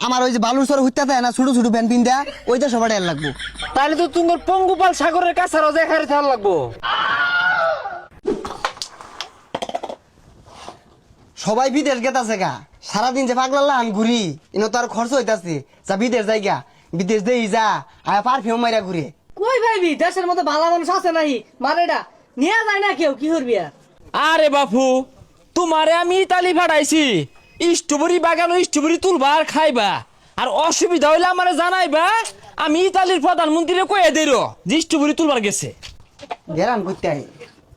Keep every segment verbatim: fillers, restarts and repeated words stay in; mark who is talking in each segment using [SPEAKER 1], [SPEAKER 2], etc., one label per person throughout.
[SPEAKER 1] আমার ওই যে বালুর সর হইতে থাকে না ছোট ছোট প্যান্ট পিন দেয়া ওইটা সবার এর লাগবো।
[SPEAKER 2] তাহলে তো তোমার পঙ্গুপাল সাগরের কাছে রোজা খারে থাকা লাগবো।
[SPEAKER 1] সবাই বিদেশ গেতাছে গা, সারাদিন যে পাগলাল্লা আমি ঘুরি ইনো তো আর খরচ হইতাছে, যা বিদেশ যাই গা, বিদেশ দেই যা আয়া পারফিউম মাইরা ঘুরে।
[SPEAKER 3] কই ভাইবি দেশের মধ্যে ভালো মানুষ আছে নাই মারেডা নিয়ে যায় না কেউ কি করবি আর?
[SPEAKER 2] আরে বাপু, তোমারে আমি ইতালি ফাটাইছি স্ট্রবেরি বাগান স্ট্রবেরি তুলবা আর খাইবা, আর অসুবিধা হইলে আমারে জানাইবা, আমি ইতালির প্রধানমন্ত্রী কয়ে দেই যে স্ট্রবেরি তুলবার গেছে।
[SPEAKER 1] গেরান করতে আই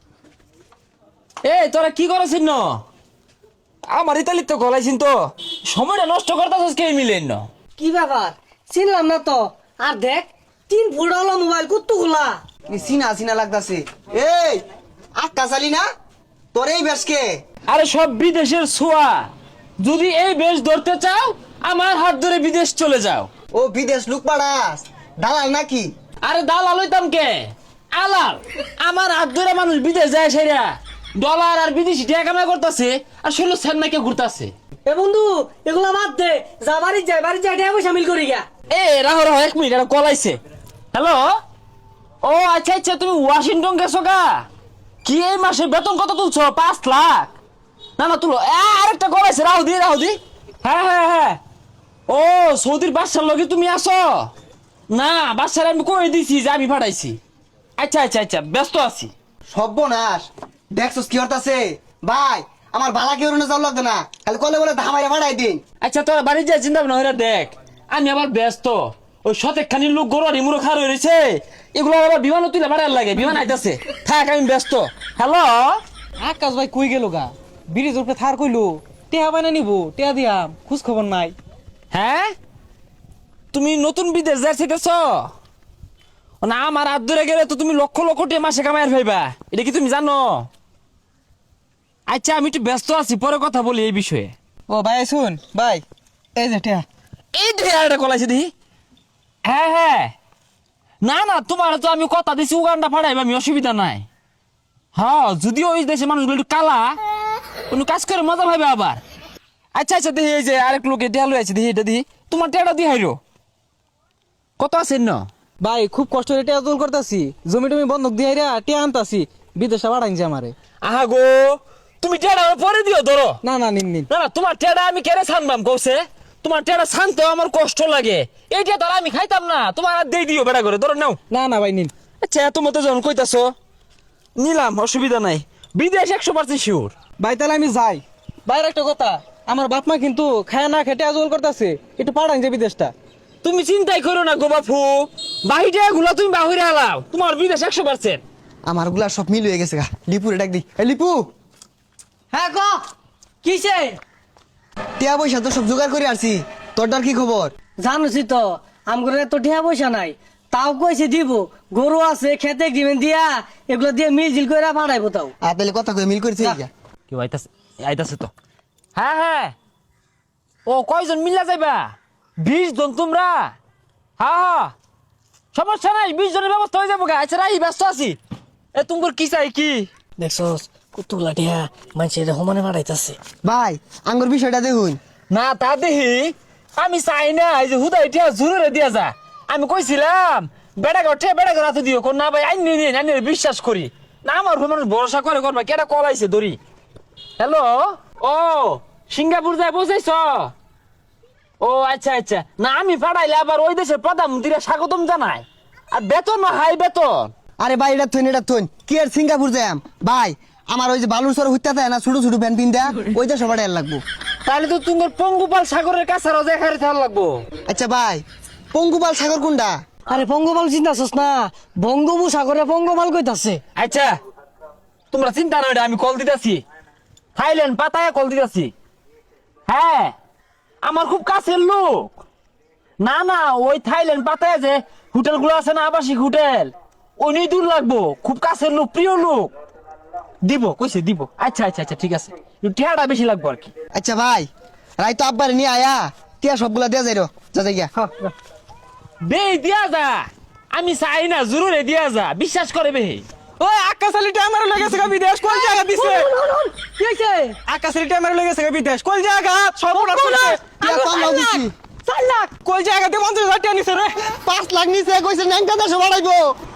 [SPEAKER 2] এই তোরা কি করেছিস ন? আমার ইতালির তো গলাইছিন তো, সময়টা নষ্ট করতেছিস কে মিলেন না?
[SPEAKER 3] কি ব্যাপার চিনলাম না তো। আর দেখ তিন ফুট হলো মোবাইল কুত্তু খোলা।
[SPEAKER 1] সিনা সিনা লাগতাছে। এই আক্কা চালি না তোর এই বেশকে?
[SPEAKER 2] আরে সব বিদেশের ছোঁয়া, যদি এই বেশ ধরতে চাও আমার হাত ধরে বিদেশ চলে যাও।
[SPEAKER 1] ও বিদেশ লুক পাড়াস দালাল নাকি?
[SPEAKER 2] আরে দালাল হইতাম কে, আলাল। আমার হাত ধরে মানুষ বিদেশ যায় সেরা ডলার আর বিদেশি টাকা কামাই করতেছে, আর ষোলো সেন্ট নাকি ঘুরতেছে।
[SPEAKER 3] এ বন্ধু এগুলা বাদ দে, যা বাড়ি যায় বাড়ি যায় টাকা পয়সা মিল করি গা।
[SPEAKER 2] এ রাহো রাহো এক মিনিট, এটা কলাইছে। হ্যালো, ও আচ্ছা আচ্ছা, তুমি ওয়াশিংটন গেছো গা? কি এই মাসে বেতন কত তুলছো? পাঁচ লাখ? না না তুলো। এ, আরেকটা কলাইছে, রাহু দি রাহু দি। হ্যাঁ হ্যাঁ হ্যাঁ, ও সৌদির বাদশার লগে তুমি আসো? না, বাদশার আমি কয়ে দিছি যে আমি পাঠাইছি। আচ্ছা আচ্ছা আচ্ছা, ব্যস্ত আছি।
[SPEAKER 1] সর্বনাশ, দেখছস কি হতাছে ভাই? আমার বালা কেউ না যাও লাগতো না, খালি কলে বলে ধামাইরা ভাড়াই দিন।
[SPEAKER 2] আচ্ছা তোর বাড়ি যা চিন্তা ভাবনা হইরা দেখ, আমি আবার ব্যস্ত। ওই শতেক খানি লোক গরু আর ইমুরো খার হয়েছে, এগুলো আবার বিমানও তুলে ভাড়ার লাগে, বিমান আইতাছে। থাক আমি ব্যস্ত। হ্যালো,
[SPEAKER 4] আকাশ ভাই কই গেল গা? ব্রিজ উপরে থার কইলো টেহা বানা নিব, টেহা দিয়াম, খোঁজ খবর নাই।
[SPEAKER 2] হ্যাঁ তুমি নতুন বিদেশ যাইতেছ না? আমার হাত ধরে গেলে তো তুমি লক্ষ লক্ষ টাকা মাসে কামাইয়ার ভাইবা, এটা কি তুমি জানো? আচ্ছা আমি একটু ব্যস্ত আছি, পরে কথা বলি এই বিষয়ে।
[SPEAKER 4] ও ভাই শুন ভাই, এই যে টেহা।
[SPEAKER 2] এই দেখে আর একটা কলাইছে দেখি। হ্যাঁ হ্যাঁ, না না তোমার তো আমি কথা দিছি উগান্ডা ফাড়াইবা, আমি অসুবিধা নাই। হ্যাঁ যদিও ওই দেশে মানুষগুলো একটু কালা, কোনো কাজ করে মজা পাইবে আবার। আচ্ছা আচ্ছা দেখি, এই যে আরেক লোকে টেহা লই আছে, দেখি এটা দেখি, তোমার টেহাটা দিয়ে হাইরো কত আছেন না?
[SPEAKER 4] ভাই খুব কষ্ট করে টেহা তোল করতাছি, জমি টমি বন্ধক দিয়ে রে টেহা আনতাছি, বিদেশে বাড়াইছে আমারে।
[SPEAKER 2] আহা গো, তুমি টেহাটা পরে দিও ধরো।
[SPEAKER 4] না না নিন নিন।
[SPEAKER 2] না না, তোমার টেহাটা আমি কেড়ে ছানবাম কৌছে, তোমার টেহাটা ছানতেও আমার কষ্ট লাগে, এইটা ধর আমি খাইতাম না, তোমার আর দিয়ে দিও বেড়া করে, ধরো নাও।
[SPEAKER 4] না না ভাই নিন।
[SPEAKER 2] আচ্ছা এত মতো যখন কইতাছো নিলাম, অসুবিধা নাই। বিদেশ একশো পার্সেন্ট শিওর।
[SPEAKER 4] ভাই তাহলে আমি যাই। বাইরে একটা কথা, আমার বাপ মা কিন্তু খায় না খেটে আজল করতেছে, একটু পাঠান যে বিদেশটা।
[SPEAKER 2] তুমি চিন্তাই করো না গো বাপু, বাহিরে গুলা তুমি বাহিরে হালাও, তোমার বিদেশ একশো পার্সেন্ট।
[SPEAKER 1] আমার গুলা সব মিল হয়ে গেছে গা। লিপুরে ডাক দি। এই লিপু,
[SPEAKER 3] হ্যাঁ ক কিসে?
[SPEAKER 1] টিয়া পয়সা তো সব জোগাড় করে আসছি, তোরটার কি খবর?
[SPEAKER 3] জানোছি তো আমগরে তো টাকা পয়সা নাই, তাও কইছে দিব। গরু আছে খেতে দিবেন দিয়া, এগুলো দিয়ে মিল জিল করে ফাড়াইবো তাও।
[SPEAKER 1] আর তাহলে কথা কয়ে মিল করেছে গা।
[SPEAKER 2] কেউ আইতাছে, আইতাছে তো। হ্যাঁ হ্যাঁ, ও কয়জন মিল্লা যাইবা? বিশ জন তোমরা? হ্যাঁ হ্যাঁ, সমস্যা নাই, বিশ জনের ব্যবস্থা হয়ে যাবো গা। আচ্ছা রাই, ব্যস্ত আছি। এ তোমার কি চাই কি?
[SPEAKER 3] দেখছস কতগুলা টিয়া মানুষের সমানে ফাড়াইতাছে।
[SPEAKER 1] ভাই আঙ্গুর বিষয়টা দেখুন।
[SPEAKER 2] না তা দেখি, আমি চাই না এই যে হুদা এটা জোরে দিয়া যা। আমি কইছিলাম বেড়া ঘটে বেড়া ঘর হাতে দিও, কোন না ভাই আইনি নিন, আইনি বিশ্বাস করি না, আমার উপর মানুষ ভরসা করে করবা। কেটা কল আইছে দড়ি। হ্যালো, ও সিঙ্গাপুর যায় বসাইছ? ও আচ্ছা আচ্ছা, না আমি পাঠাইলে আবার ওই দেশের প্রধানমন্ত্রীরা স্বাগতম জানায়, আর বেতন না হাই বেতন।
[SPEAKER 1] আরে ভাই এটা থইন এটা থইন, কি আর সিঙ্গাপুর যাম ভাই? আমার ওই যে বালুর সর হইতে থাকে না ছোট ছোট প্যান্ট পিন দেয়া ওইটা সবার এর লাগবো।
[SPEAKER 2] তাহলে তো তোমার পঙ্গুপাল সাগরের কাছে রোজা খারে থাকা লাগবো।
[SPEAKER 1] আচ্ছা ভাই, পঙ্গুপাল সাগর কোনটা?
[SPEAKER 3] আরে পঙ্গপাল চিন্তাছস না, বঙ্গোপসাগরে পঙ্গপাল কইতাছে।
[SPEAKER 2] আচ্ছা তোমরা চিন্তা নয়, আমি কল দিতেছি, থাইল্যান্ড পাতায় কল দিতেছি। হ্যাঁ আমার খুব কাছের লোক। না না, ওই থাইল্যান্ড পাতায় যে হোটেল গুলো আছে না, আবাসিক হোটেল, ওই নিয়ে দূর লাগবো, খুব কাছের লোক, প্রিয় লোক। দিব কইছে দিব। আচ্ছা আচ্ছা আচ্ছা ঠিক আছে, টিয়াটা বেশি লাগবো আর কি।
[SPEAKER 1] আচ্ছা ভাই, রাই তো আব্বারে নিয়ে আয়া, টিয়া সবগুলা দেয়া যাই রো, যা যাই গিয়া।
[SPEAKER 2] বে দিয়া যা, আমি চাই না, জরুরে দিয়া যা, বিশ্বাস করে বে।
[SPEAKER 4] ওই আকাশ আলী আমার লেগেছে গা বিদেশ, কোন জায়গা দিছে?
[SPEAKER 3] কি হইছে?
[SPEAKER 4] আকাশ আলী আমার লেগেছে গা বিদেশ, কোন জায়গা? সব
[SPEAKER 1] টিয়া কম লাও দিছি।
[SPEAKER 3] চার
[SPEAKER 4] কই জায়গাতে পঞ্চাশ হাজার টাকা নিছে রে।
[SPEAKER 1] পাঁচ লাখ নিচে কইছে ন্যাংটা দেশে বাড়াইবো